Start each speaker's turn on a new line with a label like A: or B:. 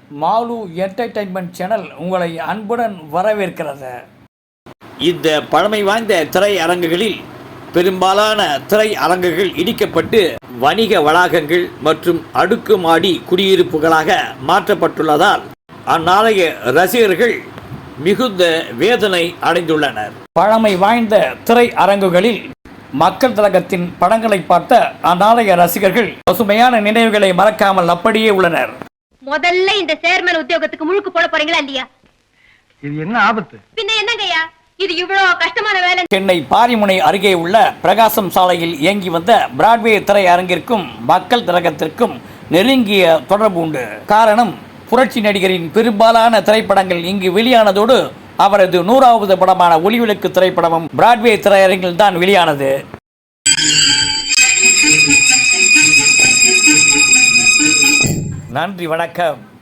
A: Mall entertainment channel உங்களை அன்புடன் வரவேற்கிறது.
B: இந்த பழமை வாய்ந்த திரையரங்குகளில் பெரும்பாலான திரையரங்குகள் இடிக்கப்பட்டு வணிக வளாகங்கள் மற்றும் அடுக்குமாடி குடியிருப்புகளாக மாற்றப்பட்டுள்ளதால் அந்நாளைய ரசிகர்கள் மிகுந்த வேதனை அடைந்துள்ளனர்.
A: பழமை வாய்ந்த திரையரங்குகளில் மக்கள் திலகத்தின் படங்களை பார்த்த அந்நாளைய ரசிகர்கள் பசுமையான நினைவுகளை மறக்காமல் அப்படியே உள்ளனர்.
C: முதல்ல இந்த சேர்மன் உத்தியோகத்துக்கு முழுக்கு போட போறீங்களா இல்லையா?
D: இது என்ன ஆபத்து?
C: பின்ன என்னங்கய்யா, இது இவ்வளவு கஷ்டமான வேலை.
A: சென்னை பாரிமுனை அருகே உள்ள பிரகாசம் சாலையில் இயங்கி வந்த பிராட்வே திரையரங்கிற்கும் மக்கள் திலகத்திற்கும் நெருங்கிய தொடர்பு உண்டு. காரணம், புரட்சி நடிகரின் பெரும்பாலான திரைப்படங்கள் இங்கு வெளியானதோடு அவரது 100வது படமான ஒளிவிளக்கு திரைப்படமும் பிராட்வே திரையரங்கில் தான் வெளியானது. நன்றி, வணக்கம்.